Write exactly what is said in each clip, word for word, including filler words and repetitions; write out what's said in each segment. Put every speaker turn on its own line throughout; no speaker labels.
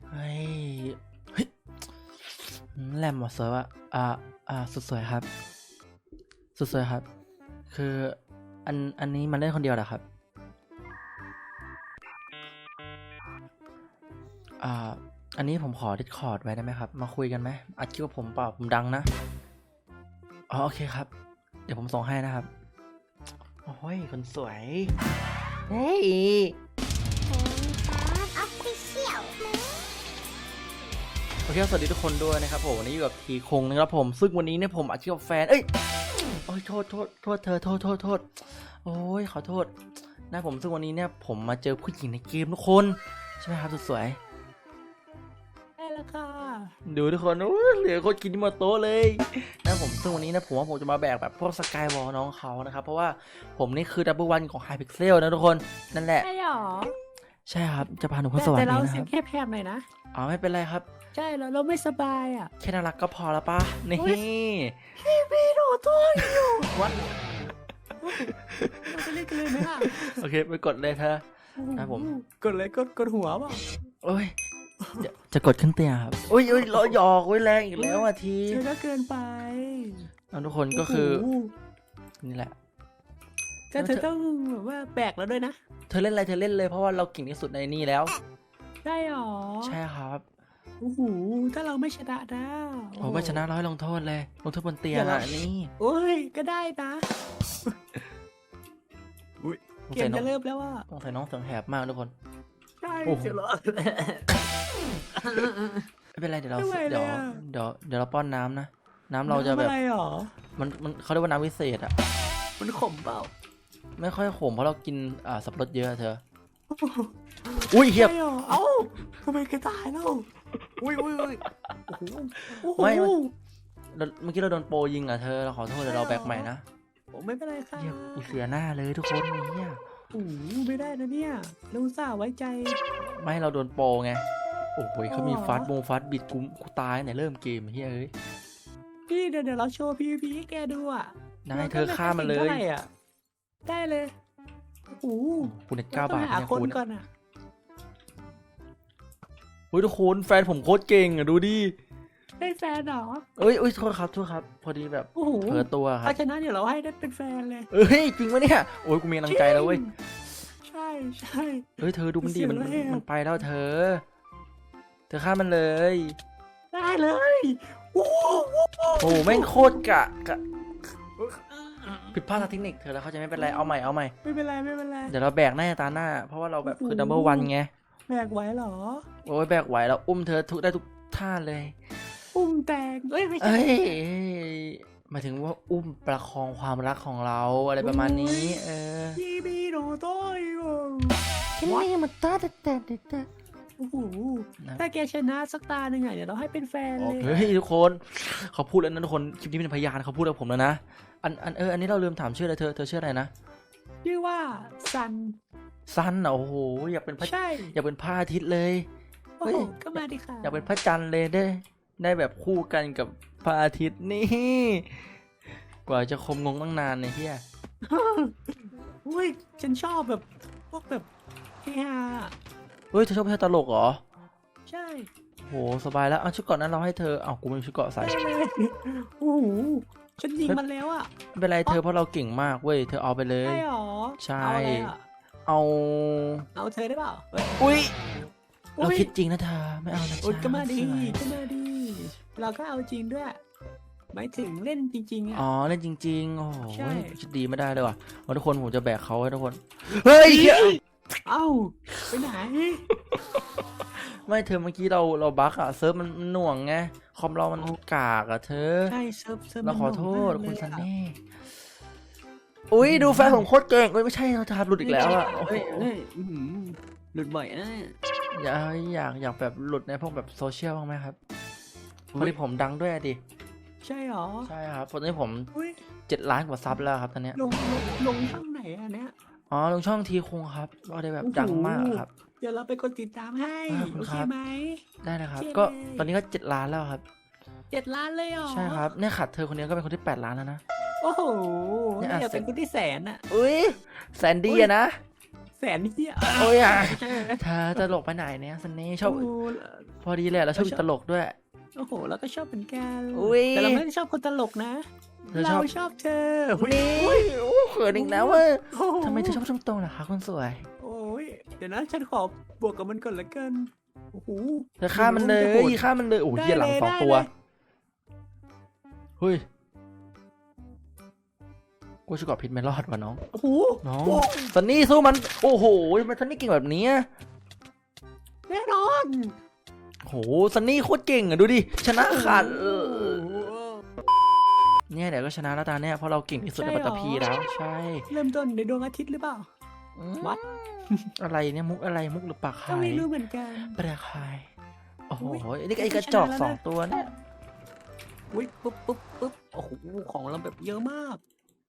เฮ้ยเฮ้ยแหลมหมดสวยว่ะอ่าอ่าสุดสวยครับสุดสวยครับคืออันอันนี้มันเล่นคนเดียวเหรอครับอ่าอันนี้ผมขอ Discord ไว้ได้ไหมครับมาคุยกันไหมอัดคลิปกับผมเปล่าผมดังนะอ๋อโอเคครับเดี๋ยวผมส่งให้นะครับโอ้ยคนสวยเฮ้ยโอเคสวัสดีทุกคนด้วยนะครับผมวันนี้อยู่กับทีคงนะครับผมซึ่งวันนี้เนี่ยผมอัดคลิปกับแฟนเอ้ยโอ้ยโทษโทษโทษเธอโทษโทษโทษโอ้ยขอโทษนะผมซึ่งวันนี้เนี่ยผมมาเจอผู้หญิงในเกมทุกคนใช่ไหมครับสุดสวย
ได้แล้วค่ะ
ดูทุกคนโอ้ยเหลือคนกินที่มาโต๊ะเลยนะผมซึ่งวันนี้นะผมว่าผมจะมาแบกแบบพวกสกายวอลน้องเขานะครับเพราะว่าผมนี่คือดับเบิลวันของไฮพิกเซลนะทุกคนนั่นแหละ
ใช่หรอ
ใช่ครับจะพาหนูขึ้นสวรรค์นี้นะครับ
แต่เราเสียงแค่แพบหน่อยนะ
อ๋อไม่เป็นไรครับ
ใช่แล้วเราไม่สบายอ่ะ
แค่น่ารักก็พอแล้วปะนี่
พี่พี่หนูตัวอยู่วัดเราจะเล่นกันเลยไหมล่ะ
โอเคไปกดเลยเธอนะผม
กดเลยกดกดหัวเปล่า
โอ้ยจะจะกดขึ้นเตียงครับโอ้ยโอ้ยรอหยอกไว้แรงอีกแล้วอ่ะที
เธอก็เกินไป
ทุกคนก็คือนี่แหละ
แต่เธอต้องแบบว่าแบกแล้วด้วยนะ
เธอเล่นอะไรเธอเล่นเลยเพราะว่าเราเก่งที่สุดในนี่แล้ว
ใช่หรอ
ใช่ครับ
โอ้โหถ้าเราไม่ชนะนะ
โอ้ไม่ชนะร้อยลงโทษเลยลงโทษบนเตียงอ่ะนี่
โอ้ยก็ได้นะอุ้ยเกมจะเริ่มแล้วว่า
ต้องใส่น้องเสียงแหบมากทุกคน
ใช่เสียงร้อน
ไม่เป็นไรเดี๋ยวเราเดี๋ยวเดี๋ยวเดี๋ยวเราป้อนน้ำนะน้ำเราจะแบบมันมันเขาเรียกว่าน้ำวิเศษอ่ะ
มันขมเปล่า
ไม่ค่อยขมเพราะเรากินอ่าสับปะรดเยอะเธออุ้ยเฮียบ
เอ้าทำไมแกตายแล้วอุ้ยอุ้ยอุ้ย
ไม่เมื่อกี้เราโดนโปยิงอ่ะเธอเราขอโทษเดี๋ยวเราแบกใหม่นะ
ไม่เป็นไรค่ะ
เฮียกูเสียหน้าเลยทุกคนเนี่ย
โอ้ไม่ได้นะเนี่ยเราอุตส่าห์ไว้ใจ
ไม่เราโดนโปไงโอ้โหเขามีฟาสต์บงฟาสต์บิดกูกูตายไหนเริ่มเกมเฮียเอ้ย
พี่เดี๋ยวเดี๋ยวเราโชว์พีวีพีให้แกดูอ่ะ
ได้เธอฆ่ามันเลย
ได้เลยโอ้
คุณเน็ตเก้าบาทเนี่ยคุณ
ก่อนอ่ะ
เฮ้ยทุกคนแฟนผมโคตรเก่งอ่ะดูดิ
ได้แฟนเหรอ
เอ้ยเอ้ยโทษครับโทษครับพอดีแบบเผลอตัวครับ
ถ้าชนะเดี๋ยวเราให้ได้เป็นแฟนเลย
เอ้ยจริงปะเนี่ยโอ้ยกูมีกำลังใจแล้วเว้ย
ใช่ใช่
เฮ้ยเธอดูมันดีมันมันไปแล้วเธอเธอฆ่ามันเลย
ได้เลยโอ้
โหแม่งโคตรกะกะผิดพลาดทางเทคนิคเธอแล้วเขาจะไม่เป็นไรเอาใหม่เอาใหม่
ไม่เป็นไรไม่เป็นไร
เดี๋ยวเราแบกหน้าตาหน้าเพราะว่าเราแบบคือดับเบิลวันไง
แบกไหวเหรอ
โอ้ยแบกไหวแล้วอุ้มเธอทุกได้ทุกท่าเลย
อุ้มแตงเอ้ยไม่ใช่
หมายถึงว่าอุ้มประคองความรักของเราอะไรประมาณนี้เออ
พี่บีโนโต้ย
แค่นี้มันตาแต่แต่แต่
โอ้โหถ้าแกชนะสักตาหนึ่งอ่ะเดี๋ยวเราให้เป็นแฟนเลย
เฮ้ยทุกคนเขาพูดแล้วนะทุกคนคลิปนี้เป็นพยานเขาพูดกับผมแล้วนะอันอันเอออันนี้เราลืมถามชื่ออะไรเธอเธอชื่ออะไรนะ
ชื่อว่าซัน
ซันโอ้โหอยากเป็นพระอยากเป็นพระอาทิตย์เลย
โอ้โหก็มาดิค่ะ
อยากเป็นพระจันทร์เลยได้ได้แบบคู่กันกับพระอาทิตย์นี่กว่าจะคมงงตั้งนานเนี่ยเฮีย
อุ้ยฉันชอบแบบพวกแบบเฮีย
เฮ้ยเธอชอบเพลงตลกเหรอ
ใช่
โหสบายแล้วเอาชุดเกาะนั้นเราให้เธอเอากูไม่มีชุดเกาะใส่
โอ้โหฉันยิงมันแล้วอ่ะ
ไม่เป็นไรเธอเพราะเราเก่งมากเว้ยเธอเอาไปเลย
ใช่หรอ
ใช่เอา
เอาเธอได้เปล่า
อุ้ยเราคิดจริงนะเธอไม่เอานะจ๊ะ
ก็มาดีก็มาดีเราก็เอาจริงด้วยหมายถึงเล่นจริงๆอ่ะ
อ๋อเล่นจริงๆโอ้โหคิดดีไม่ได้เลยว่ะทุกคนผมจะแบกเขาให้ทุกคนเฮ้ย
เอ้าไปไหน
ไม่เธอเมื่อกี้เราเราบั๊กอะเซิร์ฟมันหน่วงไงคอมเรามันกากอะเธอ
ใช่เซิร์ฟเซิร์ฟ
เราขอโทษคุณซันนี่อุ้ยดูแฟนผมโคตรเก่งเอ้ยไม่ใช่เราจะหลุดอีกแล้วอะ
เฮ้ยเฮ้ยหลุดบ่อยนะ
อยากอยากอยากแบบหลุดในพวกแบบโซเชียลบ้างไหมครับพอดีผมดังด้วยดิ
ใช่หรอ
ใช่ครับตอนนี้ผมเจ็ดล้านกว่าซับแล้วครับตอนนี้
ลงลงช่องไหนอันเนี้ย
อ๋อลงช่องทีคงครับก็ได้แบบดังมากครับ
เดี๋ยวเราไปกดติดตามให้โอเคไหม
ได้เลยครับก็ตอนนี้ก็เจ็ดล้านแล้วครับ
เจ็ดล้านเลยเหรอ
ใช่ครับเนี่ยขาดเธอคนนี้ก็เป็นคนที่แปดล้านแล้วนะ
โอ้โหเนี่ยเป็นคนที่แสนอ่ะ
อุ้ยแสนดีอะนะ
แแสนเฮีย
โอ้ยอ่ะเธอตลกไปไหนเนี่ยซันนี่ชอบ
โอ้
พอดีแหละเราชอบตลกด้วย
โอ้โหแล้วก็ชอบเหมือนกัน
อุ๊ย
แต่เราไม่ได้ชอบคนตลกนะ
เธอช
เรา
อบ
ชอบเธอ
นี่โอ้เขินอีกแล้วเว้ย
โอ้โห
ทำไมเธอชอบช่วงตรงล่ะคะคนสวย
โอ้ยเดี๋ยวนะฉันขอบวกกับมันก่อนละกันโอ้โห
เธอฆ่ามันเลยฆ่ามันเลยโอ้ย
ได้
เหี้ยหลัง
เลย
สอง
ได้
ตัว
เลย
เฮ้ยกูจะกอดพิษไม่รอดว่ะน้อง
โอ้โห
น้อง
โอ้
ซันนี่สู้มันโอ้โหมันซันนี่เก่งแบบนี้อะ
แน่นอน
โหซันนี่โคตรเก่งอะดูดิชนะขาดเออ
โอ้โห
เนี่ยเดี๋ยวก็ชนะแล้วตาเนี่ยเพราะเราเก่งที่สุดในปัตตภีแล้วใช่
เริ่มต้นในดวงอาทิตย์หรือเปล่า
อืม
วัด
อะไรเนี่ยมุกอะไรมุกหรือปาก
ก็
คาย
ไม่รู้เหมือนกัน
ปากคายโอ้โห
อุ๊ย
นี่ไอ้กระจอก
ชนะแล้วนะ
สองตัวเนี่ย
อุ้ยปุ๊บปุ๊บปุ๊บโอ้โหของเราแบบเยอะมาก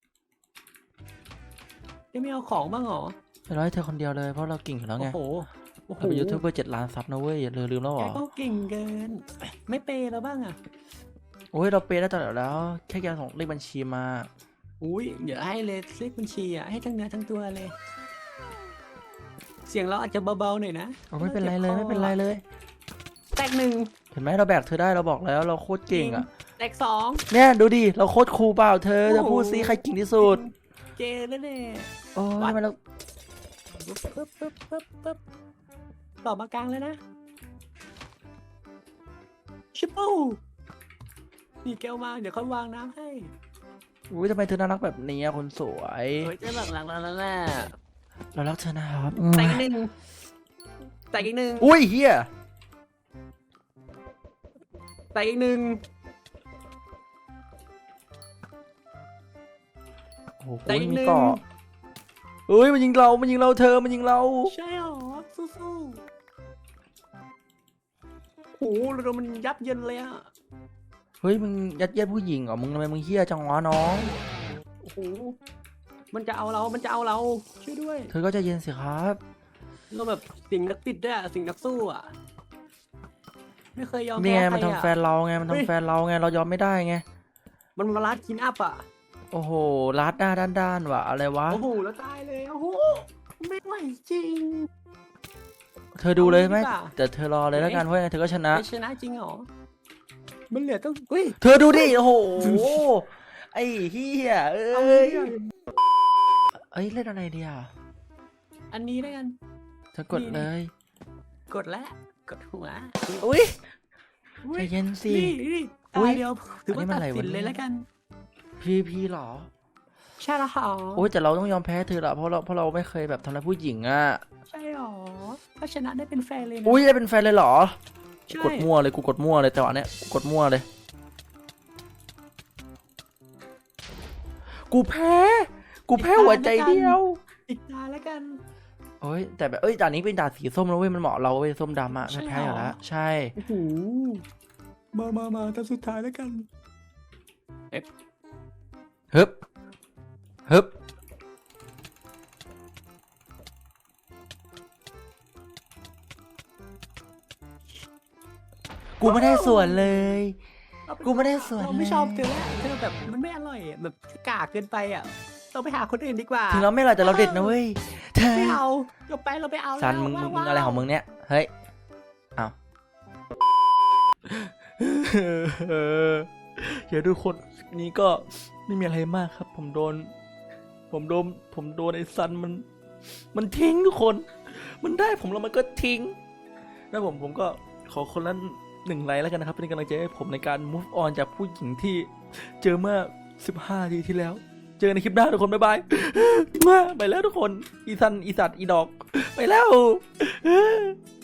ยังไม่เอาของบ้างเหรอ
ไปร้อยเธอคนเดียวเลยเพราะเราเก่งอยู่แล้ว
โอ้
ไง
โหโอ้โห
เราเป็นยูทูบเบอร์เจ็ดล้านซับนะเว้ยอย่าลืมแล้วเหร
แก
อ
ก็เก่งเกิน ไม่เปย์เราบ้างอ่ะ
โอ้ยเราเปย์ได้ตลอดแล้ว แค่แกส่งเลขบัญชีมา
อุ้ยเดี๋ยวให้เลยเลขบัญชีอ่ะให้ทั้งเนื้อทั้งตัวเลย เสียงเราอาจจะเบาๆหน่อยนะ
โอ้ไม่เป็นไรเลยไม่เป็นไรเลย
แตกหนึ่ง
เห็นไหมเราแบกเธอได้เราบอกแล้วเราโคตรเก่งอ่ะ
แตกสอง
เนี่ยดูดิเราโคตรคูลเปล่าเธอจะพูดซิใครเก่งที่สุด
เจแล้วเนี่ย
โอ้ยทำไมเรา
ปึ๊บปึ๊บปึ๊บปึ๊บปึ๊บต่อมากลางเลยนะชิปโป้นี่แก้วมาเดี๋ยวเขาวางน้ำให้
อุ้ยทำไมเธอน่ารักแบบนี้อะคนสวย
เฮ้ยจะหลังหลังแล้วแน่
เรารักเธอนะครับ
แตกอีกหนึ่งแตกอีกหนึ่ง
อุ้ยเฮีย
แตกอีกหนึ่ง
โอ้โห
แต่อีกหนึ่ง
มีเกาะเอ้ยมันยิงเรา มันยิงเราเธอ มันยิงเรา
ใช่หรอสู้ๆโอ้โหเรามันยับเยินเลยอะ
เฮ้ยมึงยัดเยียดผู้หญิงเหรอ มึงทำไมมึงเฮี้ยจังวะน้อง
โอ้โหมันจะเอาเรา มันจะเอาเราช่วยด้วย
เธอก็ใจเย็นสิครับ
เราแบบสิ่งนักติดด้วยอะสิ่งนักสู้อะไม่เคยยอม
นี่
แพ้
ไง
ใคร
มันทำแฟ
อะ
นเราไง มัน
เฮ้ย
ทำแฟนเราไง เรายอมไม่ได้ไง
มันมาลัดคินอัพอะ
โอ้โหลัดหน้าด้านๆว่ะ อะไรวะ
โอ้โหแล้วตายเลยโอ้โหไม่ไหวจริง
เธอดูเลยไหม
เอาดีกว่า
แต่เธอรอเลยแล้วกัน เพราะยังไงเธอก็ชนะ
ไม่ชนะจริงเหรอมันเหลือต้องเฮ้ย
เธอดูดิ โอ้โห ไอ้เฮียเอ้
เอา
ย
ดีกว่า
เอ้ยเล่นอะไรเดียว
อันนี้แล้วกัน
เธอกดเลย
กดแล้วกดหัว
อุ้ย
อุ๊
ใจ
ย
เย็นสิ
นี่นี่
อุ๊
ตาย เดียวถือว่า
อันนี้มัน
ตัด
อะไรวะ
สินเลย
เนี่ย
แล้วกัน
พีพีหรอ
ใช่ละหรอ
โอ้ยแต่เราต้องยอมแพ้เธอละเพราะเราเพราะเราไม่เคยแบบทำร้ายผู้หญิงอ่ะ
ใช่หรอถ้าชนะได้เป็นแฟนเลยนะ
อุ้ยได้เป็นแฟนเลยเหรอ
ใช่
กดมั่วเลยกูกดมั่วเลยแต่ว่าเนี้ยกูกดมั่วเลย กูแพ้ กูแพ้หัวใจเดียว
อีกตาแล้วกัน
โอ้ยแต่แบบเอ้ยด่านนี้เป็นด่านสีส้มแล้วเว้ยมันเหมาะเราเว้ยส้มดำอะ
ใช่
ไม่แพ้
เหรอ
อยู่แล้วใช่
โอ้โหมามามาตาสุดท้ายแล้วกัน
ฮึบฮึบกูไม่ได้ส่วนเลย กูไม่ได้ส่วน
เราไม่
เลย
ชอบเธอแล้วเธอแบบมันไม่อร่อยอะแบบกากเกินไปอ่ะเราไปหาคนอื่นดีกว่า
ถึงเราไม่อร่อยแต่เราเด็ดนะเว้ยเธอ
ไม่เอาเราไปเราไปเอา
ซัน
แล้ว
มึงมึง
ว้าว
อะไรของมึงเนี่ยเฮ้ยเอาเดี๋ยวทุกคนนี้ก็ไม่มีอะไรมากครับ ผมโดน ผมโดนผมโดนไอ้ซันมัน มันทิ้งทุกคน มันได้ผมแล้วมันก็ทิ้งแล้วผมผมก็ขอคนละหนึ่งไลค์แล้วกันนะครับเป็นกำลังใจให้ผมในการ move on จากผู้หญิงที่เจอเมื่อสิบห้านาทีที่แล้ว เจอในคลิปหน้าทุกคนบ๊ายบายไปแล้วทุกคนอีซันอีสัตว์อีดอกไปแล้ว